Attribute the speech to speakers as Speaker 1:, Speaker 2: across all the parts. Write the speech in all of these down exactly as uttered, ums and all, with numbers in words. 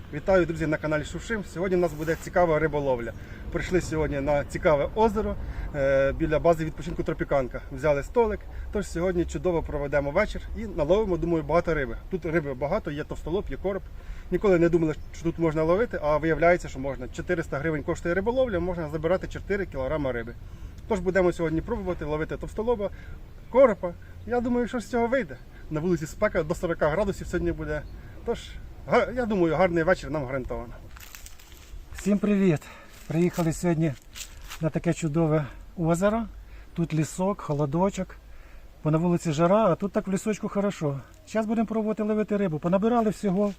Speaker 1: Вітаю, друзі, на каналі Шукшим. Сьогодні у нас буде цікава риболовля. Прийшли сьогодні на цікаве озеро е, біля бази відпочинку Тропіканка. Взяли столик, тож сьогодні чудово проведемо вечір і наловимо, думаю, багато риби. Тут риби багато, є товстолоб, є короб. Ніколи не думали, що тут можна ловити, а виявляється, що можна. чотириста гривень коштує риболовля, можна забирати чотири кілограми риби. Тож будемо сьогодні пробувати ловити товстолоба, коропа. Я думаю, що з цього вийде. На вулиці спека до сорока градусів сьогодні буде. Тож, я думаю, гарний вечір нам гарантовано.
Speaker 2: Всім привіт! Приїхали сьогодні на таке чудове озеро. Тут лісок, холодочок. Бо на вулиці жара, а тут так в лісочку хорошо. Зараз будемо пробувати ловити рибу. Понабирали всього.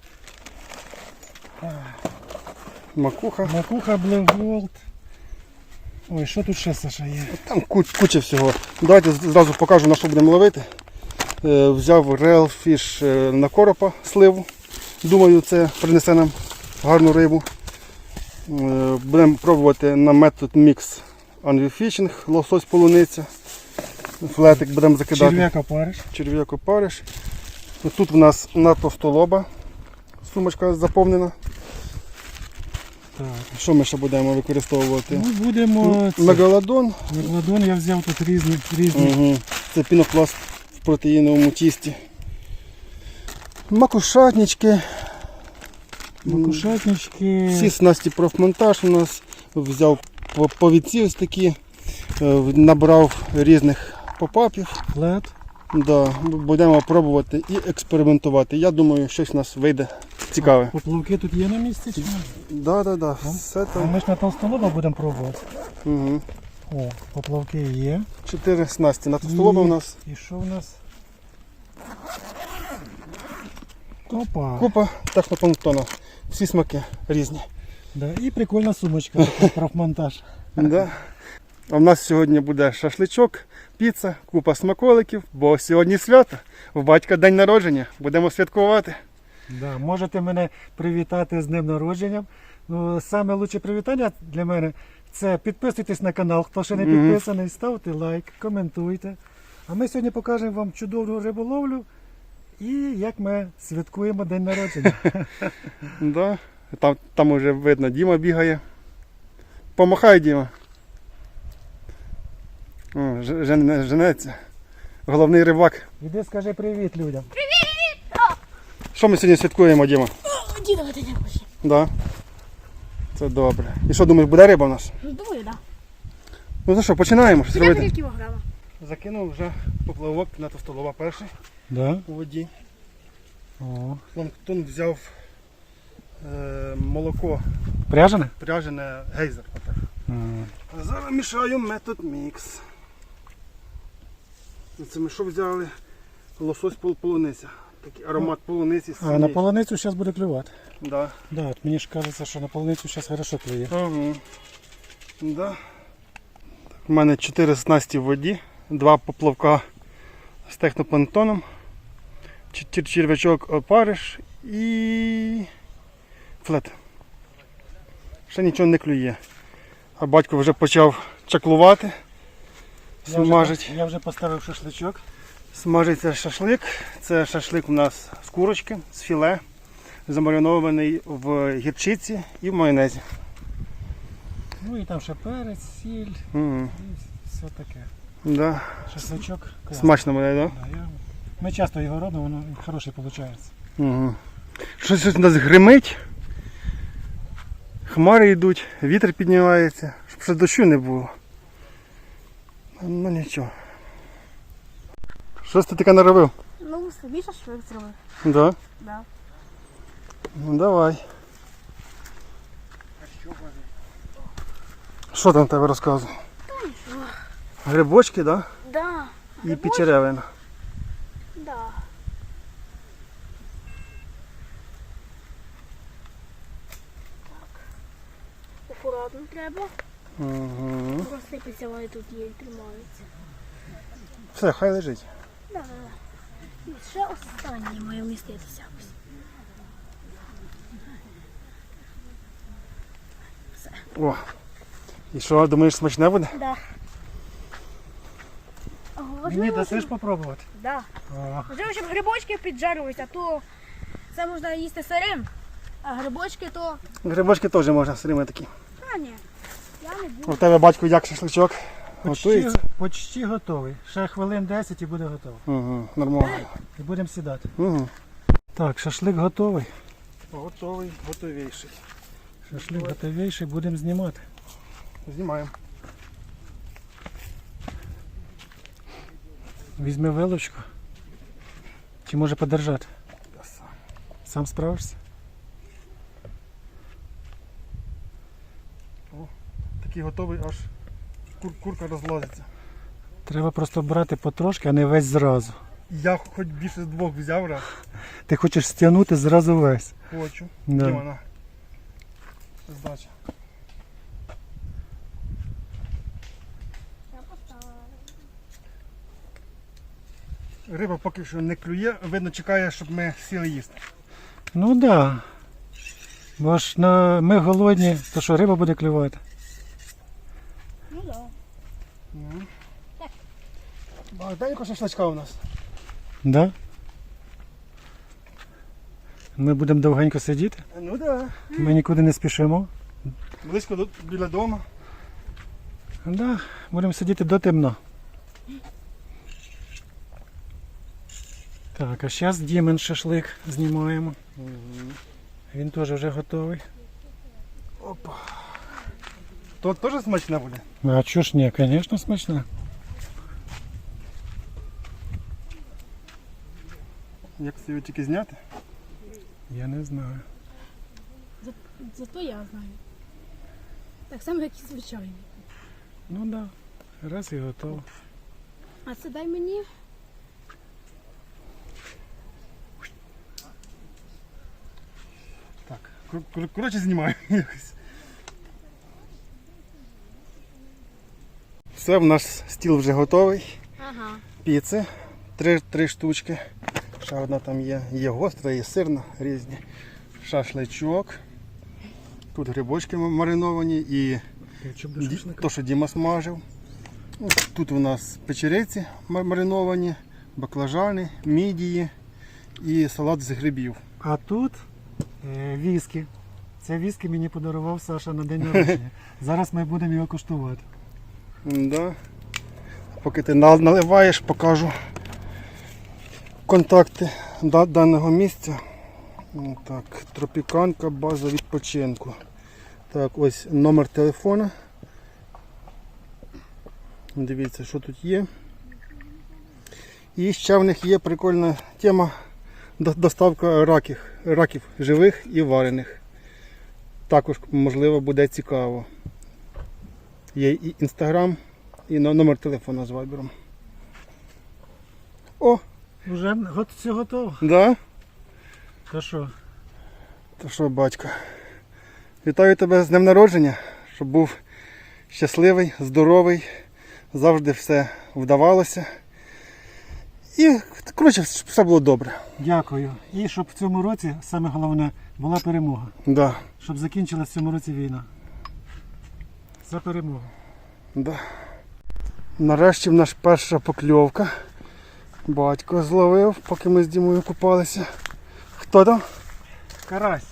Speaker 1: Макуха.
Speaker 2: Макуха, Блевголд. Ой, що тут ще, Саша, є?
Speaker 1: Там куча всього. Давайте зразу покажу, на що будемо ловити. Е, взяв Real Fish на коропа, сливу. Думаю, це принесе нам гарну рибу. Е, будемо пробувати на метод Mix Angry Fishing, лосось полуниця. Флетик будемо закидати.
Speaker 2: Черв'як опариш.
Speaker 1: Черв'як опариш. Тут в нас на товстолоба сумочка заповнена.
Speaker 2: Так.
Speaker 1: Що ми ще будемо використовувати?
Speaker 2: Ми будемо... це-
Speaker 1: Мегалодон.
Speaker 2: Мегалодон я взяв тут різні. різні.
Speaker 1: Угу. Це пінопласт в протеїновому тісті. Макушатнички.
Speaker 2: Макушатнички.
Speaker 1: Всі снасті профмонтаж у нас. Взяв повідці ось такі. е, Набрав різних попапів.
Speaker 2: Флет.
Speaker 1: Да, будемо пробувати і експериментувати. Я думаю, щось у нас вийде цікаве.
Speaker 2: Поплавки тут є на місці? Чи ні?
Speaker 1: Да, да, да. Все
Speaker 2: А
Speaker 1: там.
Speaker 2: ми ж на толстолоба будемо пробувати.
Speaker 1: Угу.
Speaker 2: О, поплавки є.
Speaker 1: Чотири снасті. На товстолоба у нас
Speaker 2: І що в нас? Опа.
Speaker 1: купа технопланктона. Всі смаки різні.
Speaker 2: Да, і прикольна сумочка, така, профмонтаж.
Speaker 1: Да. А в нас сьогодні буде шашличок, піца, купа смаколиків, бо сьогодні свято. В батька день народження. Будемо святкувати.
Speaker 2: Да, можете мене привітати з днем народження. Ну, саме лучше привітання для мене це підписуйтесь на канал, хто ще не
Speaker 1: Мгм.
Speaker 2: підписаний, ставте лайк, коментуйте. А ми сьогодні покажемо вам чудову риболовлю і як ми святкуємо день народження.
Speaker 1: Да. Там, там вже видно, Діма бігає. Помахай, Діма. О, ж- жене- женеться. Головний рибак.
Speaker 2: Іди скажи привіт людям.
Speaker 1: Що ми сьогодні святкуємо, Діма?
Speaker 3: Дідова день народження.
Speaker 1: Да. Це добре. І що, думаєш, буде риба у нас?
Speaker 3: Думаю, так.
Speaker 1: Ну то що, починаємо щось
Speaker 3: Тебе
Speaker 1: робити?
Speaker 3: три кілограма.
Speaker 1: Закинув вже поплавок на товстолоба перший
Speaker 2: Да?
Speaker 1: у воді.
Speaker 2: О.
Speaker 1: Планктон взяв е, молоко
Speaker 2: Пряжене?
Speaker 1: пряжене гейзер. Отак.
Speaker 2: М.
Speaker 1: А зараз мішаю метод мікс. Це ми що взяли? Лосось пол- полуниця. Такий аромат полуниці.
Speaker 2: А на полуницю зараз буде клювати.
Speaker 1: Да.
Speaker 2: Да, от мені ж кажеться, що на полуницю зараз хорошо клює.
Speaker 1: Ага. Да. Так, у мене чотири снасті в воді, два поплавка з технопланктоном, чер- черв'ячок опариш і флет. Ще нічого не клює. А батько вже почав чаклувати,
Speaker 2: Я вже,
Speaker 1: смажить.
Speaker 2: я вже поставив шашличок.
Speaker 1: Смажиться шашлик. Це шашлик у нас з курочки, з філе, замаринований в гірчиці і в майонезі.
Speaker 2: Ну і там ще перець, сіль
Speaker 1: Угу.
Speaker 2: і все таке.
Speaker 1: Да.
Speaker 2: Шашличок класний.
Speaker 1: Смачно буде, так?
Speaker 2: Да, я... Ми часто його робимо, воно хороший виходить.
Speaker 1: Угу. Щось у нас гримить, хмари йдуть, вітер піднімається, щоб ще дощу не було. Ну нічого. Щось ти таке наробив?
Speaker 3: Ну, собі шашлик зробив.
Speaker 1: Да?
Speaker 3: Да.
Speaker 1: Ну давай. Що там в тебе розказує? Грибочки, да?
Speaker 3: Да.
Speaker 1: І
Speaker 3: Грибочки?
Speaker 1: печеревина.
Speaker 3: Да. Так. Акуратно треба.
Speaker 1: Угу.
Speaker 3: Розсипеться, вони тут є і тримаються.
Speaker 1: Все, хай лежить.
Speaker 3: Да, да, да. І ще останнє має вміститися.
Speaker 1: О. І що, думаєш, смачне буде?
Speaker 3: Да.
Speaker 2: Мені
Speaker 3: Важливо,
Speaker 2: дасиш
Speaker 3: щоб...
Speaker 2: попробувати?
Speaker 3: Да.
Speaker 2: О,
Speaker 3: Важливо, щоб грибочки піджарилися, а то це можна їсти сирим. А грибочки то.
Speaker 1: Грибочки теж можна все время такі.
Speaker 3: А, ні. Я не буду.
Speaker 1: У тебе батько як шашличок?
Speaker 2: Почти,
Speaker 1: Готується?
Speaker 2: почти готовий. Ще хвилин десять і буде готовий.
Speaker 1: Угу, нормально.
Speaker 2: І будемо сідати.
Speaker 1: Угу.
Speaker 2: Так, шашлик готовий.
Speaker 1: Готовий, готовіший.
Speaker 2: Шашлик готовіший, будемо знімати.
Speaker 1: Знімаємо.
Speaker 2: Візьми вилочку. Чи може подержати?
Speaker 1: Я сам.
Speaker 2: Сам справишся?
Speaker 1: Такий готовий, аж кур- курка розлазиться.
Speaker 2: Треба просто брати потрошки, а не весь зразу.
Speaker 1: Я хоч більше з двох взяв раз.
Speaker 2: Ти хочеш стягнути зразу весь.
Speaker 1: Хочу.
Speaker 2: Да.
Speaker 1: Де вона? Здача.
Speaker 3: Я поставила.
Speaker 1: Риба поки що не клює, видно чекає, щоб ми сіли їсти.
Speaker 2: Ну так. Да. Бо ж на... ми голодні, то що риба буде клювати?
Speaker 3: Ну да.
Speaker 1: Ну. Багатенько шашлачка у нас.
Speaker 2: Да? Ми будемо довгенько сидіти,
Speaker 1: Ну так.
Speaker 2: ми нікуди не спішимо.
Speaker 1: Да. Близько до, біля дому.
Speaker 2: Да, будемо сидіти до темно. Так, а зараз Дімен шашлик знімаємо. Він теж вже готовий.
Speaker 1: Опа. То теж смачне буде?
Speaker 2: А чого ж ні, звісно, смачно.
Speaker 1: Як це його тільки зняти?
Speaker 2: Я не знаю.
Speaker 3: За, зато я знаю. Так само, як і звичайний.
Speaker 2: Ну так, да. Раз і готово.
Speaker 3: А це дай мені.
Speaker 1: Так, кор- кор- коротше знімаю якось. Все, в нас стіл вже готовий.
Speaker 3: Ага.
Speaker 1: Піци. Три, три штучки. Ще одна там є. Є гостра, є сирна, різні. Шашличок. Тут грибочки мариновані і ді- то, що Діма смажив. Ну, Тут у нас печериці мар- мариновані, баклажани, мідії і салат з грибів.
Speaker 2: А тут е, віскі. Це віскі мені подарував Саша на день народження. Зараз ми будемо його куштувати.
Speaker 1: Да. Поки ти на- наливаєш, покажу контакти да- даного місця. Ну, Так, Тропіканка, база відпочинку. Так, ось номер телефона. Дивіться, що тут є. І ще в них є прикольна тема до- доставка раків, раків живих і варених. Також, можливо, буде цікаво. Є і інстаграм, і но- номер телефона з вайбером. О,
Speaker 2: Вже го- все готово.
Speaker 1: да?
Speaker 2: То що?
Speaker 1: То що, батько? Вітаю тебе з днем народження, щоб був щасливий, здоровий, завжди все вдавалося. І, коротше, щоб все було добре.
Speaker 2: Дякую. І щоб в цьому році, саме головне, була перемога.
Speaker 1: Да,
Speaker 2: Щоб закінчилась в цьому році війна. За перемогу.
Speaker 1: да. Нарешті в нас перша покльовка. Батько зловив, поки ми з Дімою купалися. Хто там?
Speaker 2: Карась.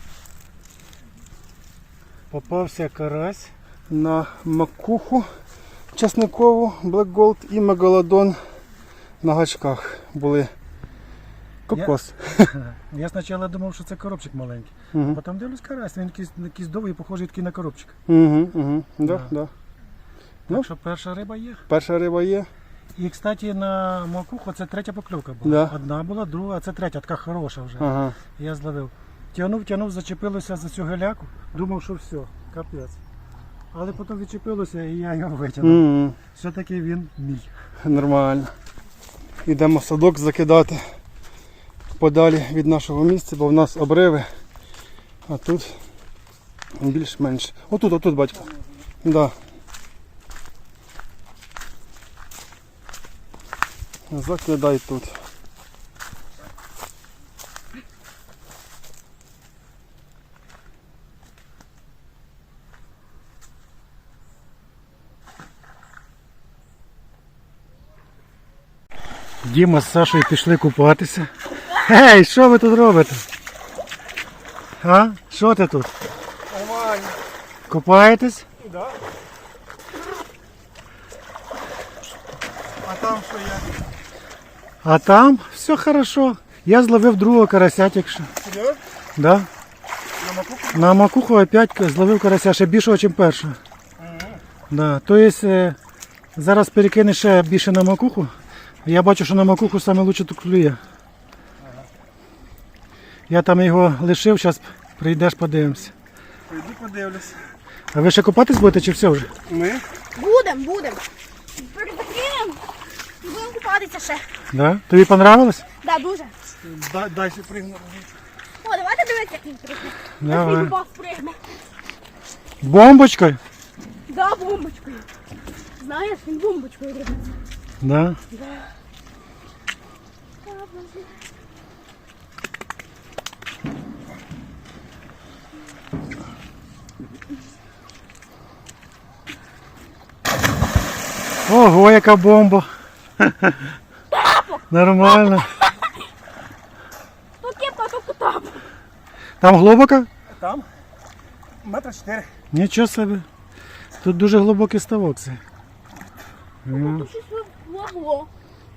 Speaker 2: Попався карась.
Speaker 1: На макуху часникову, Black Gold і мегалодон на гачках були. Кокос.
Speaker 2: Я спочатку думав, що це коробчик маленький.
Speaker 1: Угу.
Speaker 2: Потім дивлюсь карась, він якийсь, якийсь довгий, похожий такий на коробчик.
Speaker 1: Угу, угу. Да,
Speaker 2: Да.
Speaker 1: да. Ну.
Speaker 2: Так що перша риба є.
Speaker 1: Перша риба є.
Speaker 2: І, кстати, на макуху це третя покльовка була.
Speaker 1: Да.
Speaker 2: Одна була, друга, а це третя, така хороша вже.
Speaker 1: Ага.
Speaker 2: Я зловив. Тягнув, тягнув, зачепилося за цю геляку, думав, що все, капець. Але потім відчепилося і я його витягнув.
Speaker 1: Угу.
Speaker 2: Все-таки він мій.
Speaker 1: Нормально. Йдемо садок закидати подалі від нашого місця, бо в нас обриви. А тут більш-менш. Отут, отут, батько. Да. Закидай тут.
Speaker 2: Діма з Сашою пішли купатися. Гей, що ви тут робите? А? Що ти тут?
Speaker 1: Нормально.
Speaker 2: Купаєтесь?
Speaker 1: Да. А там що є?
Speaker 2: А там все хорошо. Я зловив другого карася тільки що.
Speaker 1: Серйозно?
Speaker 2: Да.
Speaker 1: На макуху?
Speaker 2: На макуху опять зловив карася ще більшого, ніж першого. Да. Тобто е, зараз перекине ще більше на макуху. Я бачу, що на макуху саме лучше тут клює. Я там його лишив, зараз прийдеш, подивимося.
Speaker 1: Пойду подивлюсь.
Speaker 2: А ви ще купатись будете чи все вже?
Speaker 1: Ми?
Speaker 3: Будем, будем. Перезакинемо. І будемо купатися ще.
Speaker 2: Да? Тобі понравилось?
Speaker 3: Да, дуже.
Speaker 1: Дай, дай ще пригну.
Speaker 3: О, давайте дивитися, як він пригне.
Speaker 2: Давай.
Speaker 3: Як він баб пригне.
Speaker 2: Бомбочкою?
Speaker 3: Да, бомбочкою. Знаєш, він бомбочкою пригне.
Speaker 2: Да. Ого, яка бомба. Нормально.
Speaker 3: То кепка, то кутап.
Speaker 2: Там глибоко?
Speaker 1: Там? Метра чотири.
Speaker 2: Нічого собі. Тут дуже глибокий ставок. Це. Ну,
Speaker 3: Тут щось лагло.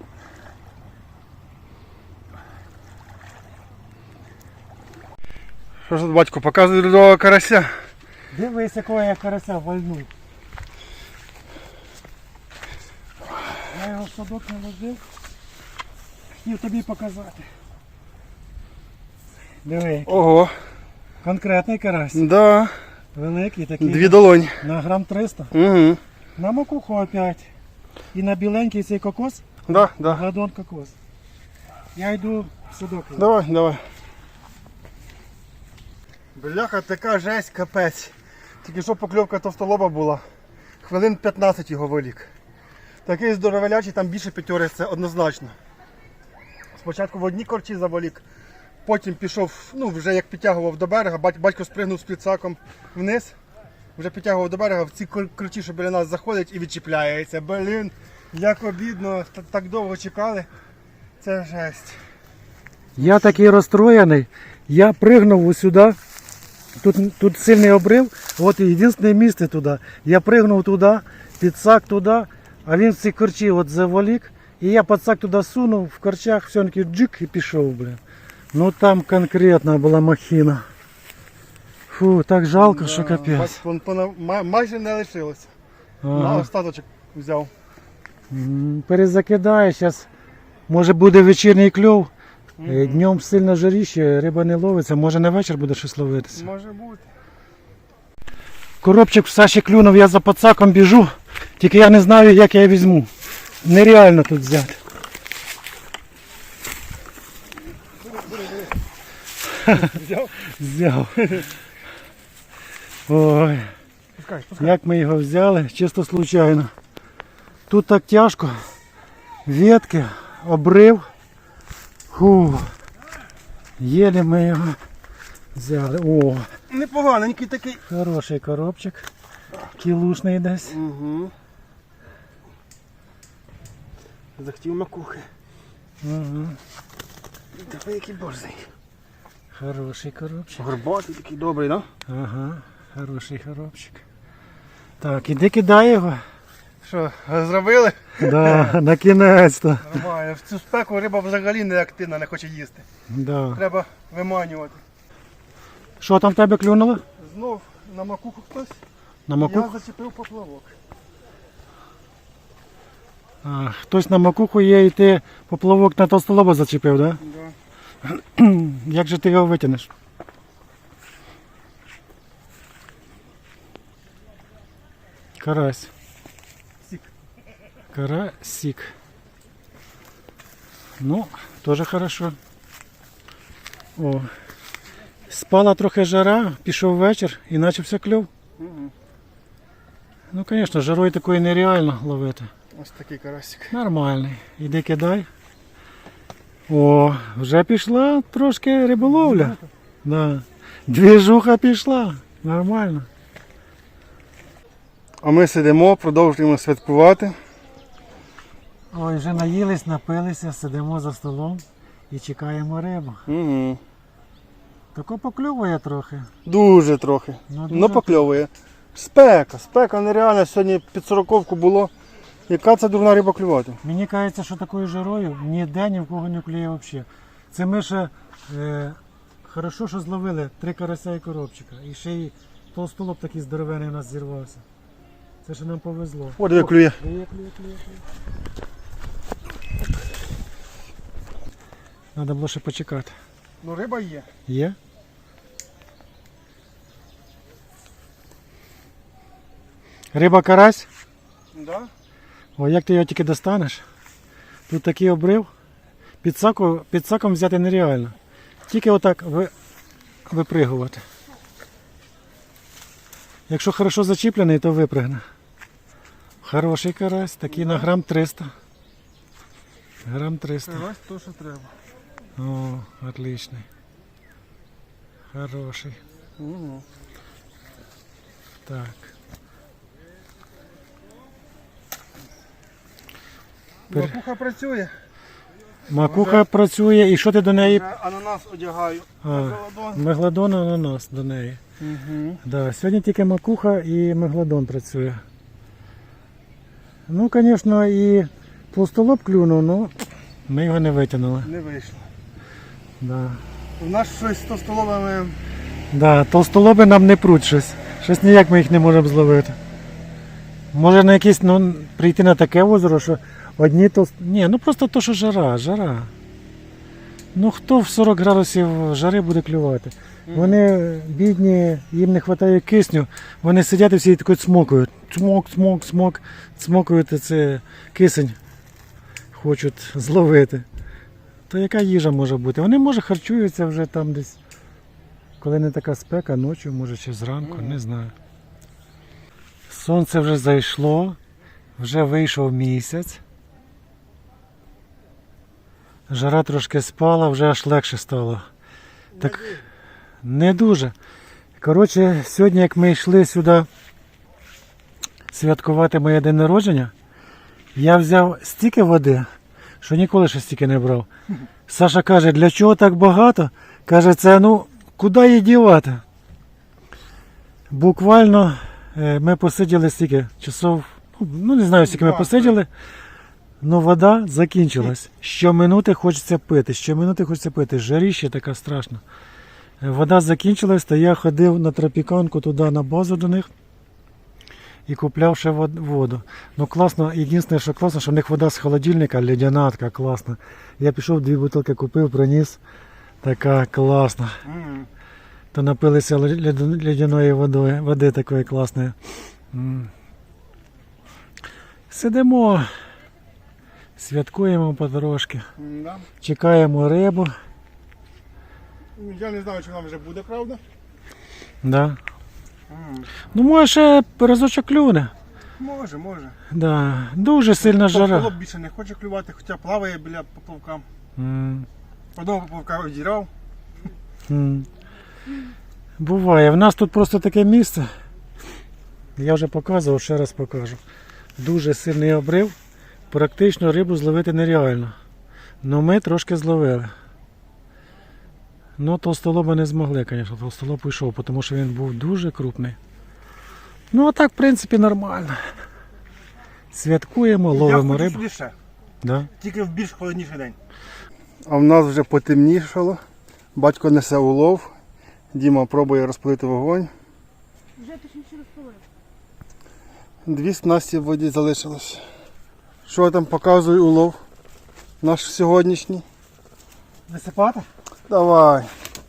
Speaker 1: Що ж тут батько показує другого карася?
Speaker 2: Дивись, якого я карася вальнув. Я його в садок не ложив. Хотів тобі показати. Диви,
Speaker 1: Ого.
Speaker 2: конкретний карась.
Speaker 1: Да.
Speaker 2: Великий такий.
Speaker 1: Дві долоні.
Speaker 2: На грам триста.
Speaker 1: Угу.
Speaker 2: На макуху опять. І на біленький цей кокос.
Speaker 1: Да, да.
Speaker 2: Гладон кокос. Я йду в садок.
Speaker 1: Давай, давай. Бляха, така жесть, капець. Тільки що покльовка товстолоба була. Хвилин п'ятнадцять його вилік. Такий здоровелячий, там більше п'ятьори, це однозначно. Спочатку в одній корчі заволік, потім пішов, ну вже як підтягував до берега, бать- батько спригнув з підсаком вниз, вже підтягував до берега, в ці кор- корчі, що біля нас заходять і відчіпляється. Блін, як обідно, та- так довго чекали. Це жесть.
Speaker 2: Я такий розстроєний. Я пригнув ось сюди. Тут, тут сильний обрив. От єдине місце туди. Я пригнув туди, підсак туди, а він в ці корчі от заволік. І я підсак туди сунув, в корчах все-таки джик і пішов, блин. Ну там конкретна була махіна. Фу, так жалко, що капець.
Speaker 1: Бач, вон пона- ма- майже не лишилося. На
Speaker 2: Ага.
Speaker 1: остаточок взяв.
Speaker 2: М, Перезакидаю, зараз може буде вечірній кльов. Е, Днем сильно жаріще, риба не ловиться, може на вечір буде щось ловитися.
Speaker 1: Може бути.
Speaker 2: Коробчик в Саші клюнув, я за пацаком біжу, тільки я не знаю, як я візьму. Нереально тут взяти.
Speaker 1: Взяв?
Speaker 2: Взяв. Ой,
Speaker 1: Пускай, пускай.
Speaker 2: як ми його взяли, чисто случайно. Тут так тяжко. Ветки, обрив. Фу. Єлі ми його взяли. О,
Speaker 1: Непоганенький такий.
Speaker 2: хороший коробчик. Кілушний десь.
Speaker 1: Угу. Захотів макухи.
Speaker 2: Угу.
Speaker 1: Давай який борзий.
Speaker 2: Хороший коробчик.
Speaker 1: Горбатий такий добрий, да?
Speaker 2: Ага, хороший коробчик. Так, іди кидай його.
Speaker 1: Що, зробили?
Speaker 2: Да, на кінець-то.
Speaker 1: Нормально. В цю спеку риба взагалі не активна, не хоче їсти.
Speaker 2: Да.
Speaker 1: Треба виманювати.
Speaker 2: Що там в тебе клюнуло?
Speaker 1: Знов на макуху хтось.
Speaker 2: На
Speaker 1: Я
Speaker 2: макуху?
Speaker 1: зачепив поплавок.
Speaker 2: А, хтось на макуху є і ти поплавок на толстолоба зачепив, да?
Speaker 1: Да.
Speaker 2: Як же ти його витягнеш? Карась.
Speaker 1: Сік.
Speaker 2: Карасик. Ну, теж хорошо. О. Спала трохи жара, пішов вечір і почався кльов.
Speaker 1: Угу.
Speaker 2: Ну, звісно, жарою такої нереально ловити.
Speaker 1: Ось такий карасик.
Speaker 2: Нормальний. Іди кидай. О, вже пішла трошки риболовля. Да. Двіжуха пішла. Нормально.
Speaker 1: А ми сидимо, продовжуємо святкувати.
Speaker 2: Ой, вже наїлись, напилися, сидимо за столом і чекаємо рибу.
Speaker 1: Угу.
Speaker 2: Тако покльовує трохи.
Speaker 1: Дуже трохи.
Speaker 2: Ну,
Speaker 1: Ну
Speaker 2: дуже.
Speaker 1: покльовує. Спека, спека нереальна. Сьогодні під сороковку було. Яка це дурна риба клювати?
Speaker 2: Мені кажеться, що такою жарою ніде ні в кого не клює взагалі. Це ми ще е, хорошо, що зловили три карася і коробчика. І ще й толстолоб такий здоровений у нас зірвався. Це ще нам повезло.
Speaker 1: О, диви, клює.
Speaker 2: Клює, клює, клює, клює. Треба було ще почекати.
Speaker 1: Ну риба є.
Speaker 2: Є? Риба карась?
Speaker 1: Да?
Speaker 2: О, як ти його тільки достанеш? Тут такий обрив. Під саку, під саком взяти нереально. Тільки отак ви, випригувати. Якщо хорошо зачіплений, то випригне. Хороший карась, такий на грам триста. Грам триста.
Speaker 1: Ось то, що треба.
Speaker 2: О, отличний. Хороший.
Speaker 1: Угу.
Speaker 2: Так. Пер-
Speaker 1: Макуха працює.
Speaker 2: Макуха працює, і що ти до неї?
Speaker 1: Вже ананас одягаю.
Speaker 2: А,
Speaker 1: Мегалодон.
Speaker 2: мегалодон ананас до неї.
Speaker 1: Угу.
Speaker 2: Да, сьогодні тільки макуха і мегалодон працює. Ну, звісно, і пластолоб клюнув, але ми його не витягнули.
Speaker 1: Не вийшло.
Speaker 2: Да.
Speaker 1: У нас щось з товстолобами.
Speaker 2: Да, толстолоби нам не пруть щось. Щось ніяк ми їх не можемо зловити. Може на якесь, ну, прийти на таке озеро, що одні толст... Ні, ну просто то, що жара, жара. Ну хто в сорок градусів жари буде клювати? Вони бідні, їм не вистачає кисню, вони сидять і всі такі цмокають. Цмок, цмок, цмок, цмокають і це кисень хочуть зловити. То яка їжа може бути? Вони, може, харчуються вже там десь, коли не така спека, ночі, може ще зранку, не знаю. Сонце вже зайшло, вже вийшов місяць. Жара трошки спала, вже аж легше стало. Так, не дуже. Коротше, сьогодні, як ми йшли сюди святкувати моє день народження, я взяв стільки води, що ніколи ще стільки не брав. Саша каже, для чого так багато? Каже, це, ну, куди її дівати? Буквально е, ми посиділи стільки часов, ну не знаю, скільки ми посиділи, але вода закінчилась. Щоминути хочеться пити, щоминути хочеться пити. Жаріще така страшна. Е, Вода закінчилась, то я ходив на тропіканку туди на базу до них і купляв ще вод- воду. Ну класно, єдине, що класно, що в них вода з холодильника, ледяна така класна. Я пішов, дві бутилки купив, приніс. Така класна.
Speaker 1: Угу.
Speaker 2: То напилися лед- ледяної водою, води такої класної. М. Сидимо, святкуємо потрошки,
Speaker 1: Да.
Speaker 2: чекаємо рибу.
Speaker 1: Я не знаю, чи нам вже буде, правда?
Speaker 2: Да.
Speaker 1: Угу.
Speaker 2: Ну, може, ще разочок клюне.
Speaker 1: Може, може.
Speaker 2: Да. Дуже сильна жара.
Speaker 1: Товстолоб більше не хоче клювати, хоча плаває біля поплавка.
Speaker 2: М.
Speaker 1: Одного поплавка одірав.
Speaker 2: М. Буває. В нас тут просто таке місце. Я вже показував, ще раз покажу. Дуже сильний обрив. Практично рибу зловити нереально. Ну ми трошки зловили. Ну толстолоба не змогли, звісно. Толстолоб уйшов, тому що він був дуже крупний. Ну а так, в принципі, нормально. Святкуємо, ловимо
Speaker 1: Я хочу
Speaker 2: рибу.
Speaker 1: сюди ще,
Speaker 2: Да?
Speaker 1: тільки в більш холодніший день. А в нас вже потемнішало. Батько несе улов. Діма пробує розпалити вогонь.
Speaker 3: Вже точніше розповів.
Speaker 1: Дві снасті в воді залишилось. Що там показує улов? Наш сьогоднішній.
Speaker 2: Висипати?
Speaker 1: Давай.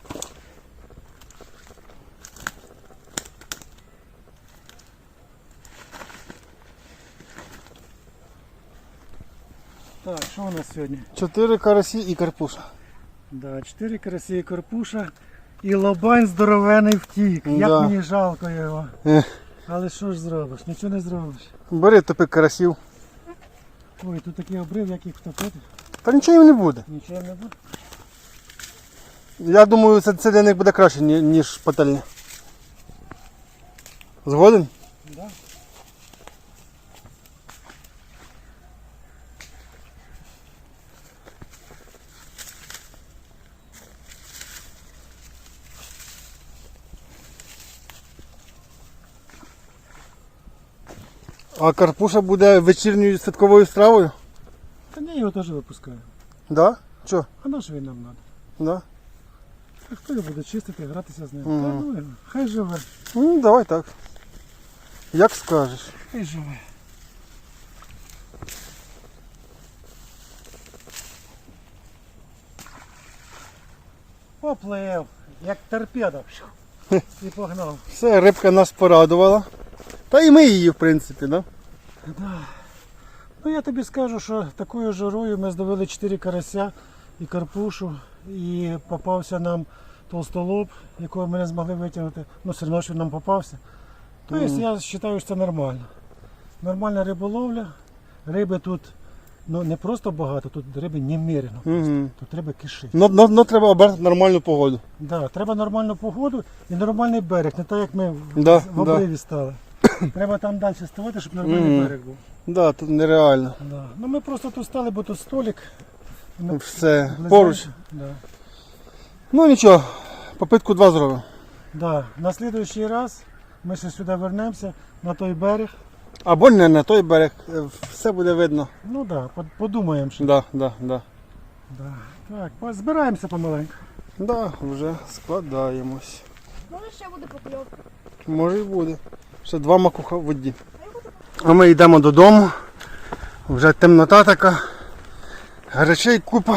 Speaker 2: Так, що у нас сьогодні?
Speaker 1: Чотири карасі і карпуша.
Speaker 2: Да, чотири карасі і карпуша. І лобань здоровений втік. Як
Speaker 1: Да.
Speaker 2: мені жалко його.
Speaker 1: Ех.
Speaker 2: Але що ж зробиш? Нічого не зробиш.
Speaker 1: Бери топи карасів.
Speaker 2: Ой, тут такий обрив, як їх втопити.
Speaker 1: Та нічого їм не буде.
Speaker 2: Нічого не буде.
Speaker 1: Я думаю, це, це для них буде краще, ні- ніж пательня. Згоден?
Speaker 2: Да.
Speaker 1: А Карпуша буде вечірньою святковою стравою?
Speaker 2: Та ні, його теж випускаю.
Speaker 1: Да? Чо?
Speaker 2: А на що він нам треба?
Speaker 1: Да?
Speaker 2: А хто його буде чистити, гратися з ним?
Speaker 1: Мгм.
Speaker 2: Та ну його, хай живе,
Speaker 1: Ну, давай так. Як скажеш.
Speaker 2: хай живе. Поплив, як торпеда. І погнав.
Speaker 1: Все, рибка нас порадувала. Та і ми її, в принципі, да?
Speaker 2: Да. Ну я тобі скажу, що такою жарою ми здобили чотири карася і карпушу, і попався нам толстолоб, якого ми не змогли витягнути. Ну, все одно, що він нам попався. Тобто
Speaker 1: Мгм.
Speaker 2: я вважаю, що це нормально. Нормальна риболовля. Риби тут ну, не просто багато, тут риби немерено.
Speaker 1: Угу.
Speaker 2: Тут риби кишить.
Speaker 1: Ну, ну, ну треба обрати нормальну погоду.
Speaker 2: Да, треба нормальну погоду і нормальний берег, не так як ми в,
Speaker 1: Да,
Speaker 2: в обриві стали. Треба там далі ставати, щоб нормальний
Speaker 1: Мгм.
Speaker 2: берег був.
Speaker 1: Да, тут нереально.
Speaker 2: Да. Ну ми просто тут стали, бо тут столик. Ми
Speaker 1: Все,
Speaker 2: близенько.
Speaker 1: поруч.
Speaker 2: Да.
Speaker 1: Ну нічого, попитку два зробимо.
Speaker 2: Да. На слідуючий раз ми ще сюди вернемося, на той берег.
Speaker 1: Або не на той берег, е, все буде видно.
Speaker 2: Ну так, да, подумаємо ще.
Speaker 1: Да, да, да.
Speaker 2: Да. Так, по- збираємося помаленьку.
Speaker 1: Да, вже складаємось.
Speaker 3: Може ще буде покльовка.
Speaker 1: Може і буде. Ще два макуха в воді. А ми йдемо додому. Вже темнота така. Речей купа.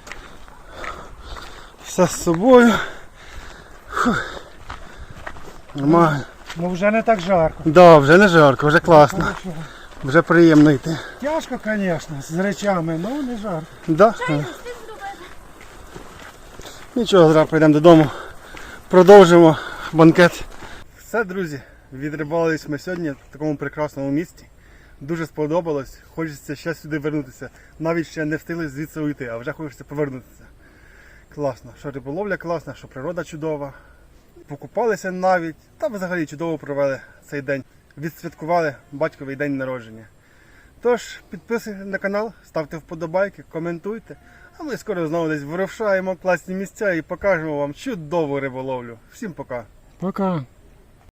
Speaker 1: Все з собою. Фух. Нормально.
Speaker 2: Ну вже не так жарко.
Speaker 1: Да, вже не жарко, вже класно.
Speaker 2: Хорошо.
Speaker 1: Вже приємно йти.
Speaker 2: Тяжко, звісно, з речами, але не жарко.
Speaker 1: Да?
Speaker 3: Чай не встиг зробити.
Speaker 1: Нічого, зараз прийдемо додому. Продовжимо банкет. Все, друзі, відрибались ми сьогодні в такому прекрасному місті. Дуже сподобалось. Хочеться ще сюди вернутися. Навіть ще не встигли звідси уйти, а вже хочеться повернутися. Класно, що риболовля класна, що природа чудова. Покупалися навіть, та взагалі чудово провели цей день. Відсвяткували батьковий день народження. Тож, підписуйтесь на канал, ставте вподобайки, коментуйте. А ми скоро знову десь вирушаємо класні місця і покажемо вам чудову риболовлю. Всім пока!
Speaker 2: Пока.